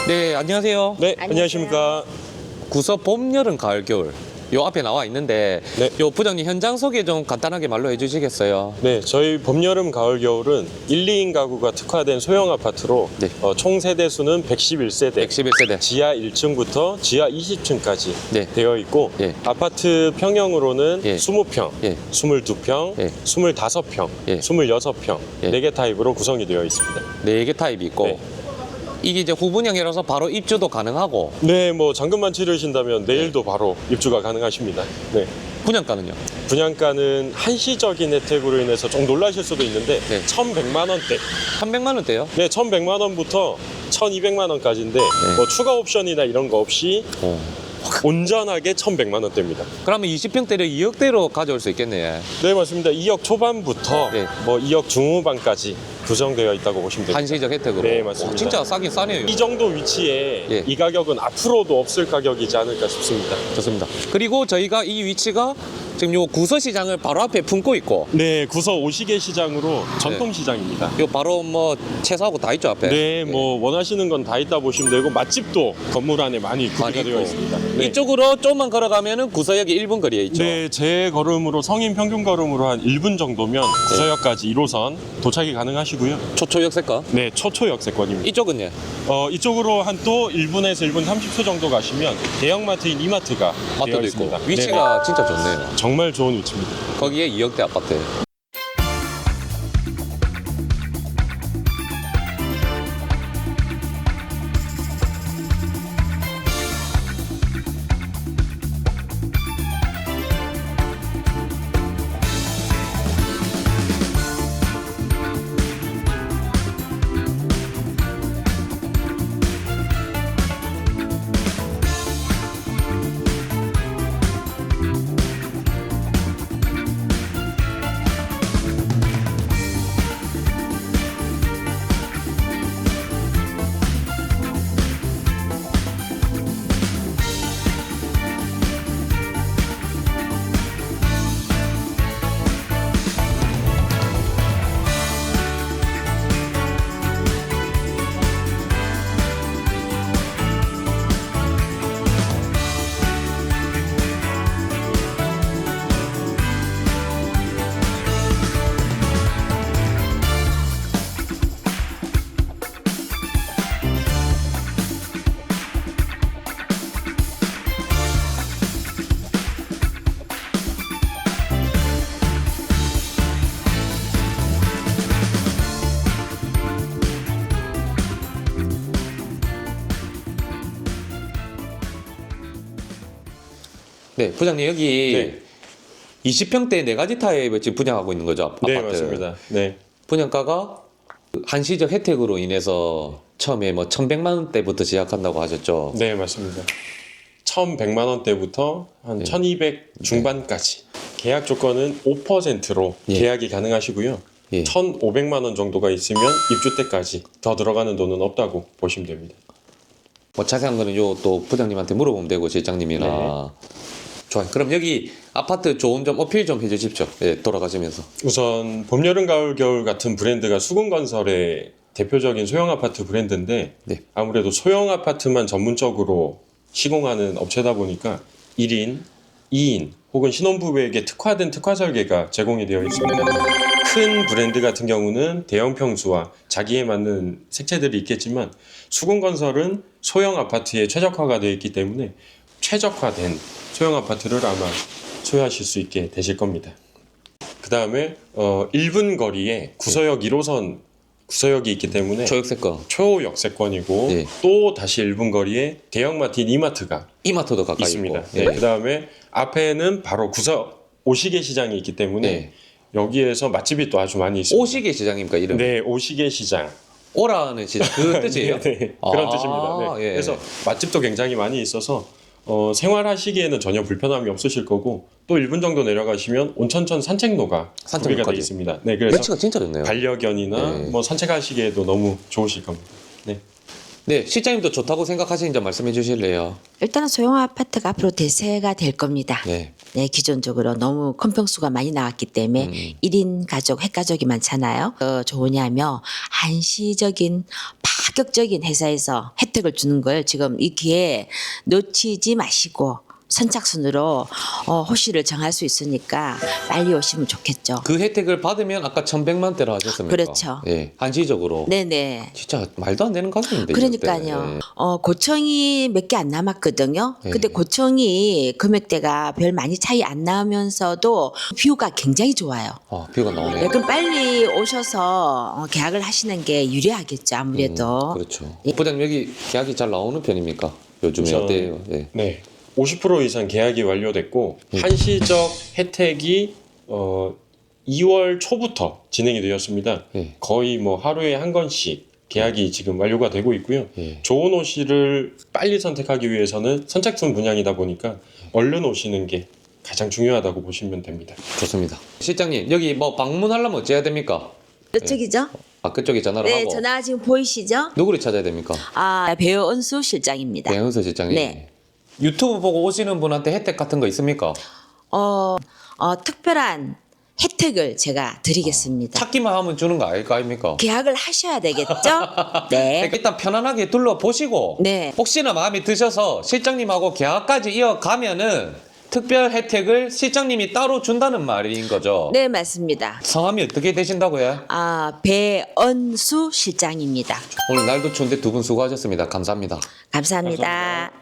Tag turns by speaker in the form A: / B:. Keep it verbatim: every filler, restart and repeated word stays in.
A: 네, 안녕하세요.
B: 네,
C: 안녕하세요.
B: 안녕하십니까.
A: 구서 봄, 여름, 가을, 겨울. 요 앞에 나와 있는데
B: 네.
A: 요 부장님 현장 소개 좀 간단하게 말로 해주시겠어요?
B: 네, 저희 봄, 여름, 가을, 겨울은 일, 이 인 가구가 특화된 소형 아파트로
A: 네.
B: 어, 총 세대 수는 백십일 세대,
A: 백십일 세대.
B: 지하 일 층부터 지하 이십 층까지
A: 네.
B: 되어 있고
A: 예.
B: 아파트 평형으로는
A: 예.
B: 이십 평,
A: 예.
B: 이십이 평,
A: 예.
B: 이십오 평,
A: 예.
B: 이십육 평
A: 예.
B: 네 개 타입으로 구성이 되어 있습니다.
A: 네 개 타입이 있고
B: 네.
A: 이게 이제 후분양이라서 바로 입주도 가능하고
B: 네, 뭐 잔금만 치르신다면 내일도 바로 입주가 가능하십니다. 네.
A: 분양가는요?
B: 분양가는 한시적인 혜택으로 인해서 좀 놀라실 수도 있는데
A: 네.
B: 천백만 원대.
A: 삼백만 원대요?
B: 네, 천백만 원부터 천이백만 원까지인데
A: 네.
B: 뭐 추가 옵션이나 이런 거 없이
A: 어.
B: 온전하게 천백만 원대입니다.
A: 그러면 이십 평대를 이억대로 가져올 수 있겠네.
B: 네, 맞습니다. 이억 초반부터
A: 네.
B: 뭐 이억 중후반까지 구성되어 있다고 보시면 됩니다.
A: 한시적 혜택으로.
B: 네, 맞습니다.
A: 오, 진짜 싸긴 싸네요.
B: 이 정도 위치에
A: 예.
B: 이 가격은 앞으로도 없을 가격이지 않을까 싶습니다.
A: 좋습니다. 그리고 저희가 이 위치가 지금 요 구서 시장을 바로 앞에 품고 있고
B: 네, 구서 오시계 시장으로 전통 시장입니다.
A: 요 바로 뭐 채소하고 다 있죠 앞에.
B: 네, 뭐 원하시는 건 다 있다 보시면 되고 맛집도 건물 안에 많이 구비가
A: 많이
B: 되어
A: 있고.
B: 있습니다. 네.
A: 이쪽으로 좀만 걸어가면은 구서역이 일 분 거리에 있죠.
B: 네, 제 걸음으로 성인 평균 걸음으로 한 일 분 정도면 구서역까지 일 호선 도착이 가능하시고요.
A: 초초역세권.
B: 네, 초초 역세권입니다.
A: 이쪽은요?
B: 어, 이쪽으로 한 또 일 분에서 일 분 삼십 초 정도 가시면 대형마트인 이마트가 되어
A: 마트도
B: 있습니다.
A: 있고. 위치가
B: 네,
A: 진짜 좋네요.
B: 정말 좋은 위치입니다.
A: 거기에 이억대 아파트. 네, 부장님 여기
B: 네.
A: 이십 평대 네 가지 타입을 지금 분양하고 있는 거죠? 아파트.
B: 네, 맞습니다. 네.
A: 분양가가 한시적 혜택으로 인해서 처음에 뭐 천백만 원대부터 시작한다고 하셨죠?
B: 네, 맞습니다. 천백만 원대부터 한
A: 네.
B: 천이백 중반까지. 계약 조건은 오 퍼센트로
A: 예.
B: 계약이 가능하시고요.
A: 예.
B: 천오백만 원 정도가 있으면 입주 때까지 더 들어가는 돈은 없다고 보시면 됩니다.
A: 뭐 자세한 거는 요 또 부장님한테 물어보면 되고 실장님이나.
B: 네.
A: 좋아요. 그럼 여기 아파트 좋은 점 어필 좀 해주십시오. 예, 돌아가시면서.
B: 우선 봄, 여름, 가을, 겨울 같은 브랜드가 수군건설의 대표적인 소형 아파트 브랜드인데
A: 네.
B: 아무래도 소형 아파트만 전문적으로 시공하는 업체다 보니까 일 인, 이 인 혹은 신혼부부에게 특화된 특화 설계가 제공이 되어 있습니다. 큰 브랜드 같은 경우는 대형 평수와 자기에 맞는 색채들이 있겠지만 수군건설은 소형 아파트에 최적화가 되어 있기 때문에 최적화된 소형 아파트를 아마 소유하실 수 있게 되실 겁니다. 그 다음에 어, 일 분 거리에 구서역 일 호선 구서역이 있기 때문에
A: 초역세권.
B: 초역세권이고
A: 예.
B: 또 다시 일 분 거리에 대형마트인 이마트가
A: 이마트도 가까이
B: 있습니다.
A: 있고.
B: 네,
A: 예.
B: 그 다음에 앞에는 바로 구서 오시계 시장이 있기 때문에
A: 네.
B: 여기에서 맛집이 또 아주 많이 있습니다.
A: 오시계 시장입니까 이름?
B: 네, 오시계 시장.
A: 오라는 시장 그 뜻이에요?
B: 네, 네. 그런
A: 아,
B: 뜻입니다. 네.
A: 예.
B: 그래서 맛집도 굉장히 많이 있어서 어, 생활하시기에는 전혀 불편함이 없으실 거고 또 일 분 정도 내려가시면 온천천 산책로가 구비가
A: 산책로까지.
B: 되어 있습니다. 네, 그래서
A: 매치가 진짜 좋네요.
B: 반려견이나
A: 네.
B: 뭐 산책하시기에도 너무 좋으실 겁니다. 네.
A: 네, 실장님도 좋다고 생각하시는 점 말씀해 주실래요?
C: 일단은 소형 아파트가 앞으로 대세가 될 겁니다.
A: 네.
C: 네, 기존적으로 너무 큰 평수가 많이 나왔기 때문에
A: 음.
C: 일 인 가족, 핵가족이 많잖아요. 어, 좋으냐면 한시적인 파격적인 회사에서 혜택을 주는 걸 지금 이 기회에 놓치지 마시고 선착순으로 어, 호실을 정할 수 있으니까 빨리 오시면 좋겠죠.
A: 그 혜택을 받으면 아까 천백만 대로 하셨습니까?
C: 그렇죠.
A: 예, 한시적으로.
C: 네네.
A: 진짜 말도 안 되는 가격인데.
C: 그러니까요.
A: 이때.
C: 어, 고청이 몇 개 안 남았거든요.
A: 네.
C: 근데 고청이 금액대가 별 많이 차이 안 나면서도 뷰가 굉장히 좋아요.
A: 아, 뷰가 나오네.
C: 네, 그럼 빨리 오셔서 어, 계약을 하시는 게 유리하겠죠. 아무래도.
A: 음, 그렇죠.
C: 예.
A: 부장님 여기 계약이 잘 나오는 편입니까? 요즘에
B: 우선-
A: 어때요? 예.
B: 네, 오십 퍼센트 이상 계약이 완료됐고
A: 음.
B: 한시적 혜택이 어, 이월 초부터 진행이 되었습니다.
A: 예.
B: 거의 뭐 하루에 한 건씩 계약이 지금 완료가 되고 있고요.
A: 예.
B: 좋은 호실을 빨리 선택하기 위해서는 선착순 분양이다 보니까 얼른 오시는 게 가장 중요하다고 보시면 됩니다.
A: 좋습니다. 실장님 여기 뭐 방문하려면 어찌해야 됩니까?
C: 이쪽이죠?
A: 아 그쪽에 전화를
C: 네,
A: 하고
C: 전화 지금 보이시죠?
A: 누구를 찾아야 됩니까?
C: 아, 배우 은수 실장입니다.
A: 배은서 실장님.
C: 네.
A: 유튜브 보고 오시는 분한테 혜택 같은 거 있습니까?
C: 어, 어, 특별한 혜택을 제가 드리겠습니다.
A: 찾기만 하면 주는 거 아닐까 아닙니까?
C: 계약을 하셔야 되겠죠? 네.
A: 그러니까 일단 편안하게 둘러보시고
C: 네.
A: 혹시나 마음에 드셔서 실장님하고 계약까지 이어가면은 특별 혜택을 실장님이 따로 준다는 말인 거죠.
C: 네, 맞습니다.
A: 성함이 어떻게 되신다고요?
C: 아, 배은수 실장입니다.
A: 오늘 날도 추운데 두 분 수고하셨습니다. 감사합니다.
C: 감사합니다.